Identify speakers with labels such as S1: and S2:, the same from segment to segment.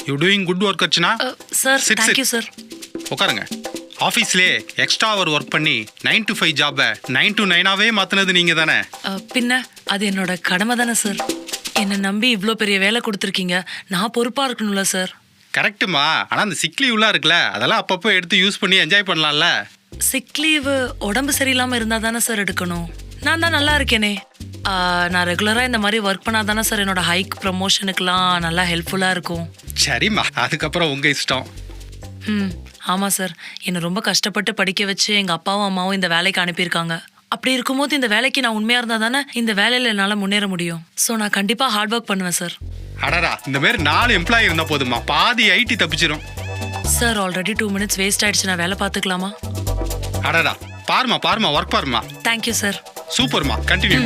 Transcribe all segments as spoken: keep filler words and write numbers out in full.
S1: You doing good work Archana.
S2: Sir thank you sir.
S1: உட்காருங்க. ஆஃபீஸ்லேயே extra அவர் ஒர்க் பண்ணி நைன் டு ஃபைவ் ஜாபை நைன் டு நைனாவே மாற்றினது நீங்கள் தானே?
S2: பின்ன அது என்னோட கடமை தானே சார். என்னை நம்பி இவ்வளோ பெரிய வேலை கொடுத்துருக்கீங்க, நான் பொறுப்பாக இருக்கணும்ல சார்.
S1: கரெக்டுமா. ஆனால் அந்த சிக் லீவ்லாம் இருக்குல்ல, அதெல்லாம் அப்பப்போ எடுத்து யூஸ் பண்ணி என்ஜாய் பண்ணலாம்ல.
S2: சிக் லீவு உடம்பு சரியில்லாமல் இருந்தால் தானே சார் எடுக்கணும். நான் தான் நல்லா இருக்கேனே. நான் ரெகுலராக இந்த மாதிரி ஒர்க் பண்ணால் தானே சார் என்னோட ஹைக் ப்ரமோஷனுக்குலாம் நல்லா ஹெல்ப்ஃபுல்லாக இருக்கும்.
S1: சரிம்மா, அதுக்கப்புறம் உங்கள் இஷ்டம்.
S2: ம் ஆமாம் சார். என்னை ரொம்ப கஷ்டப்பட்டு படிக்க வச்சு எங்கள் அப்பாவும் அம்மாவும் இந்த வேலைக்கு அனுப்பியிருக்காங்க. அப்படி இருக்கும்போது இந்த வேலைக்கு நான் உண்மையாக இருந்தால் தானே இந்த வேலையில் என்னால் முன்னேற முடியும். ஸோ நான் கண்டிப்பாக ஹார்ட் ஒர்க் பண்ணுவேன் சார்.
S1: அடடா, இந்த மாதிரி நாலு எம்ப்ளாயி இருந்தால் போதுமா, பாதி ஐடி தப்பிச்சிடும்.
S2: Sir already two minutes waste ஆயிடுச்சு, நான் வேலை பார்த்துக்கலாமா?
S1: அடடா, பாருமா பாருமா, ஒர்க் பாருமா.
S2: Thank you sir.
S1: சூப்பர்மா, continue.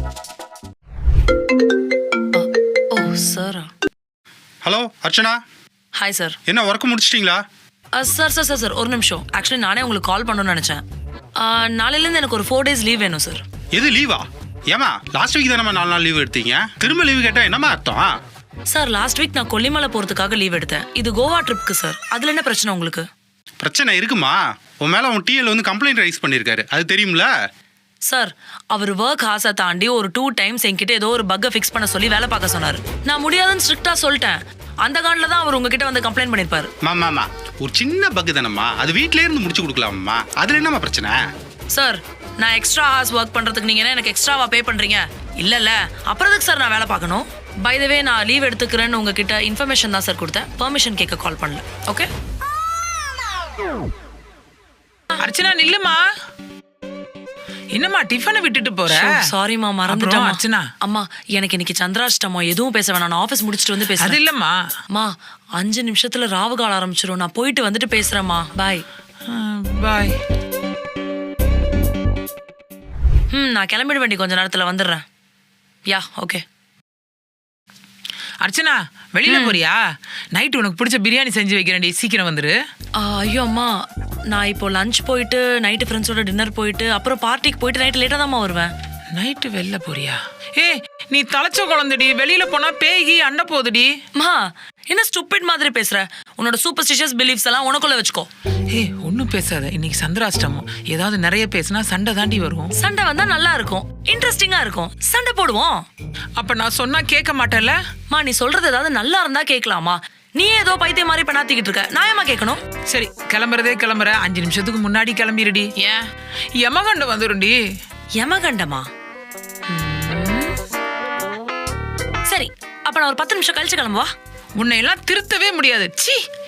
S2: Oh sir.
S1: Hello Archana.
S2: Hi sir.
S1: என்ன ஒர்க் முடிச்சிட்டிங்களா?
S2: சார் சார் சார் சார் ஒரு நிமிஷம். ஆக்சுவலி நானே உங்களுக்கு கால் பண்ணணும்னு நினச்சேன். நாளையிலேருந்து எனக்கு ஒரு ஃபோர் டேஸ் லீவ் வேணும் சார்.
S1: எது லீவா? ஏமா லாஸ்ட் வீக் தானே நாலு நாள் லீவ் எடுத்தீங்க, திரும்ப லீவு கேட்டால் என்னமா அர்த்தம்?
S2: சார் லாஸ்ட் வீக் நான் கொல்லிமலை போகிறதுக்காக லீவ் எடுத்தேன். இது கோவா ட்ரிப்க்கு சார். அதில் என்ன பிரச்சனை உங்களுக்கு?
S1: பிரச்சனை இருக்குமா? உன் மேலே உன் டிஎல் வந்து கம்ப்ளைண்ட் ரைஸ் பண்ணியிருக்காரு, அது தெரியும்ல?
S2: சார் அவர் ஒர்க் ஹார்ஸை தாண்டி ஒரு டூ டைம்ஸ் என்கிட்ட ஏதோ ஒரு பக்கை ஃபிக்ஸ் பண்ண சொல்லி வேலை பார்க்க சொன்னார். நான் முடியாதுன்னு ஸ்ட்ரிக்டாக சொல்லிட்டேன். அந்த காண்டில் தான் அவர் உங்ககிட்ட வந்து கம்ப்ளைண்ட் பண்ணியிருப்பார்.
S1: மாமாமா, ஒரு சின்ன பக்கு தானம்மா, அது வீட்டிலே இருந்து முடிச்சு கொடுக்கலாமா, அதில் என்னம்மா பிரச்சனை?
S2: சார் நான் எக்ஸ்ட்ரா ஹார்ஸ் ஒர்க் பண்ணுறதுக்கு நீங்கள் என்ன எனக்கு எக்ஸ்ட்ராவா பே பண்ணுறீங்க? இல்லைல்ல, அப்புறம் எதுக்கு சார் நான் வேலை பார்க்கணும்? பை த வே நான் லீவ் எடுத்துக்கிறேன்னு உங்ககிட்ட இன்ஃபர்மேஷன் தான் சார் கொடுத்தேன், பெர்மிஷன் கேட்க கால் பண்ணல. ஓகே
S3: அர்ச்சனா நில்லுமா. என்னம்மா டிஃபனை விட்டுட்டு போற?
S2: சாரிமா, மறந்துட்டேன்.
S3: அர்ச்சனா
S2: அம்மா எனக்கு இன்னைக்கு சந்திராஷ்டமோ, எதுவும் பேச வேணாம், நான் ஆஃபீஸ் முடிச்சுட்டு வந்து பேசுறேன்.
S3: அது இல்லம்மா.
S2: அம்மா அஞ்சு நிமிஷத்துல ராவு கால ஆரம்பிச்சிரும், நான் போயிட்டு வந்துட்டு பேசுறேம்மா. பாய்.
S3: பாய்.
S2: ம் நான் கிளம்பிட வேண்டி கொஞ்ச நேரத்துல வந்துடுறேன். Yeah okay.
S3: அர்ச்சனா வெளியில போறியா? நைட்டு உனக்கு பிடிச்ச பிரியாணி செஞ்சு வைக்கிறேன்டி, சீக்கிரம் வந்துரு.
S2: ஐயோ அம்மா, நான் இப்போ லஞ்ச் போயிட்டு நைட்டு ஃப்ரெண்ட்ஸோட டின்னர் போயிட்டு அப்புறம் பார்ட்டிக்கு போயிட்டு நைட்டு லேட்டாக தான்மா வருவேன்.
S3: நைட்டு வெளில போறியா? ஏ நீ தலைச்ச குழந்தைடி, வெளியில போனா பேகி அண்ட போகுதுடி.
S2: மா என்ன ஸ்டூபிட் மாதிரி பேசுற? உன்னோட சூப்பர்ஸ்டிஷியஸ் பிலீஃப்ஸ் எல்லாம் உனக்குள்ள வச்சுக்கோ.
S3: ஏ ஒன்னும் பேசாத, இன்னைக்கு சந்திராஷ்டமம். ஏதாவது நிறைய பேசினா சண்டை தாண்டி வரும்.
S2: சண்டை வந்தா நல்லா இருக்கும், இன்ட்ரெஸ்டிங்கா இருக்கும், சண்டை போடுவோம்.
S3: அப்ப நான் சொன்னா கேட்க மாட்டேன்ல?
S2: மா நீ சொல்றது ஏதாவது நல்லா இருந்தா கேட்கலாமா? நீ ஏதோ பைத்தியம் மாதிரி பண்ணாத்திக்கிட்டு இருக்க, நான் ஏமா கேட்கணும்?
S3: சரி கிளம்புறதே கிளம்புற, அஞ்சு நிமிஷத்துக்கு முன்னாடி கிளம்பிடுடி. ஏன் யமகண்டம் வந்துருண்டி.
S2: யமகண்டமா? சரி அப்ப நான் ஒரு பத்து நிமிஷம் கழிச்சு கிளம்புவா.
S3: உன்னை எல்லாம் திருத்தவே முடியாது. சீ.